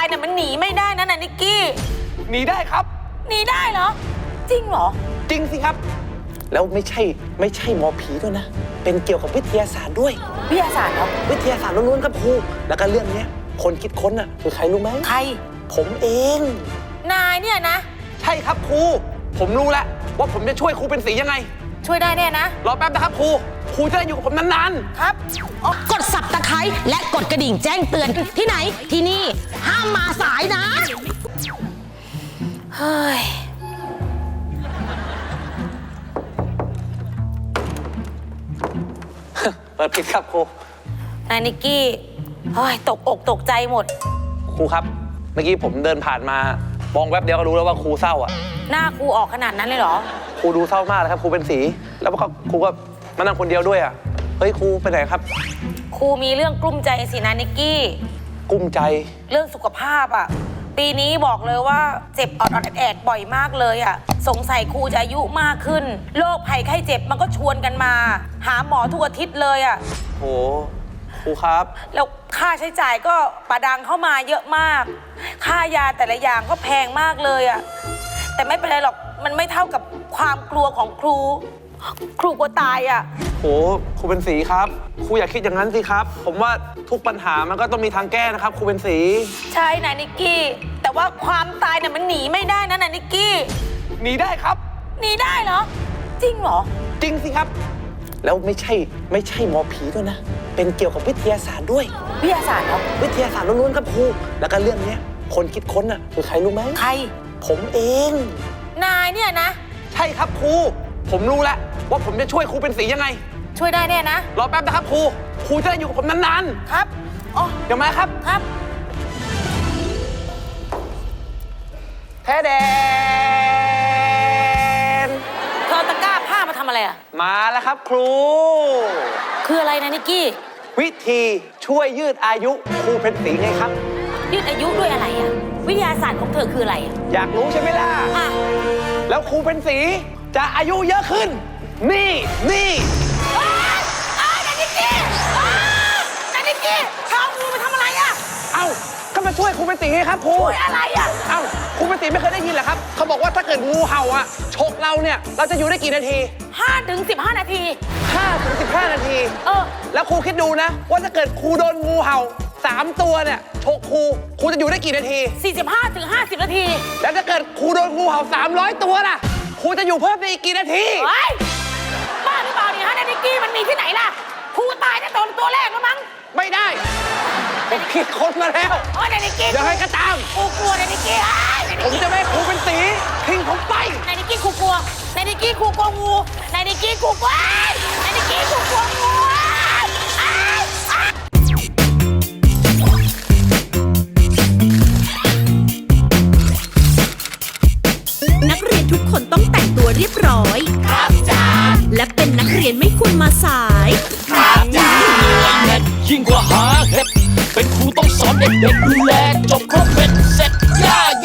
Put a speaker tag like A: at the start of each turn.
A: ายเนี่ยมันหนีไม่ได้นะนิกกี้
B: หนีได้ครับ
A: หนีได้เหรอจริงเหรอ
B: จริงสิครับแล้วไม่ใช่หมอผีด้วยนะเป็นเกี่ยวกับวิทยาศาสตร์ด้วย
A: วิทยาศาสตร์เหรอ
B: วิทยาศาสตร์ล้วนๆครับครูแล้วก็เรื่องนี้คนคิดค้นน่ะคือใครรู้ไหม
A: ใคร
B: ผมเอง
A: นายเนี่ยนะ
B: ใช่ครับครูผมรู้แล้วว่าผมจะช่วยครูเป็นสียังไง
A: ช่วยได้แน่นะ
B: รอแป๊บนะครับครูจะได้อยู่กับผมนาน
A: ๆครับ
C: กดสับตะไคร้และกดกระดิ่งแจ้งเตือนที่ไหนที่นี่ห้ามมาสายนะ
A: เฮ้ย
B: เปิดผิดครับครู
A: นายนิกกี้เฮ้ยตกอกตกใจหมด
B: ครูครับเมื่อกี้ผมเดินผ่านมามองแวบเดียวก็รู้แล้วว่าครูเศร้าอ่ะ
A: หน้าครูออกขนาดนั้นเลยเหรอ
B: ครูดูเศร้ามากเลยครับครูเป็นสีแล้วก็ครูก็มานั่งคนเดียวด้วยอ่ะเฮ้ยครูไปไหนครับ
A: ครูมีเรื่องกลุ้มใจสินะนิกกี้
B: กลุ้มใจ
A: เรื่องสุขภาพอ่ะปีนี้บอกเลยว่าเจ็บออดแอดบ่อยมากเลยอ่ะสงสัยครูจะอายุมากขึ้นโรคภัยไข้เจ็บมันก็ชวนกันมาหาหมอทุกอาทิตย์เลยอ่ะ
B: โหครูครับ
A: แล้วค่าใช้จ่ายก็ประดังเข้ามาเยอะมากค่ายาแต่ละอย่างก็แพงมากเลยอ่ะแต่ไม่เป็นไรหรอกมันไม่เท่ากับความกลัวของครูกลัวตายอ่ะ
B: โหครูเป็นสีครับครูอย่าคิดอย่างนั้นสิครับผมว่าทุกปัญหามันก็ต้องมีทางแก้นะครับครูเป็นสี
A: ใช่นายนิกกี้แต่ว่าความตายเนี่ยมันหนีไม่ได้นะนายนิกกี้
B: หนีได้ครับ
A: หนีได้เหรอจริงเหรอ
B: จริงสิครับแล้วไม่ใช่หมอผีด้วยนะเป็นเกี่ยวกับวิทยาศาสตร์ด้วย
A: วิทยาศาสตร์เหรอ
B: วิทยาศาสตร์ล้วนๆครับครูแล้วก็เรื่องนี้คนคิดค้นน่ะคือใครรู้ไหม
A: ใคร
B: ผมเอง
A: นายเนี่ยนะ
B: ใช่ครับครูผมรู้แล้วว่าผมจะช่วยครูเป็นสียังไง
A: ช่วยได้แน่นะ
B: รอแป๊บนะครับครูจะได้อยู่กับผมนาน
A: ๆครับอ๋อ
B: เดี๋ยวมาครับ
A: ครับ
B: แท้แดน
A: เธอตะกร้าผ้ามาทำอะไรอ่ะ
B: มาแล้วครับครู
A: คืออะไรนะนิกกี้
B: วิธีช่วยยืดอายุครูเป็นสีไงครับ
A: ยืดอายุด้วยอะไรอ่ะวิทยาศาสตร์ของเธอคืออะไรอ่ะ
B: อยากรู้ใช่ไหมล่ะแล้วครูเป็นสีจะอายุเยอะขึ้นนี่
A: นานิกกี้เขาครูไปทำอะไรอ่ะ
B: เอ้าก็มาช่วยครูเป็นสีไงครับครู
A: ช่วยอะไรอ่ะ
B: เอ้าครูเป็นสีไม่เคยได้ยินเหรอครับเขาบอกว่าถ้าเกิดงูเห่าอ่ะฉกเราเนี่ยเราจะอยู่ได้กี่นาที
A: 5 ถึง 15 นาที
B: 5 ถึง 15 นาทีแล้วครูคิดดูนะว่าถ้าเกิดครูโดนงูเห่า3 ตัวเนี่ยฉกครูจะอยู่ได้กี่นาที
A: 45 ถึง 50 นาที
B: แล้วถ้าเกิดครูโดนงูเห่า300 ตัวล่ะครูจะอยู่เพิ่มได้อีกกี่นาที
A: บ้าหรือเปล่าเนี่ยฮะนานิกกี้มันมีที่ไหนล่ะครูตายตั้งแต่ตัวแรกแล้วมั้ง
B: ไม่ได้ผมคิดค้นมาแล้ว
A: นานิกกี้
B: ยังไงก็ตาม
A: ครูกลัวนานิกกี้
B: ผมจะไม่ให้ครูเป็นสีทิ้งผมไป
A: นานิกกี้ครูกลัวนานิกกี้ครูกลัวงูนานิกกี้ครูกลัวนานิกกี้ครูกลัวงู
D: นักเรียนทุกคนต้องแต่งตัวเรียบร้อยครับจ้าและเป็นนักเรียนไม่ควรมาสาย
E: ครับจ้ายิ่งกว่าหาเห็ดเป็นครูต้องสอนเด็กๆดูแลจบครบเป็น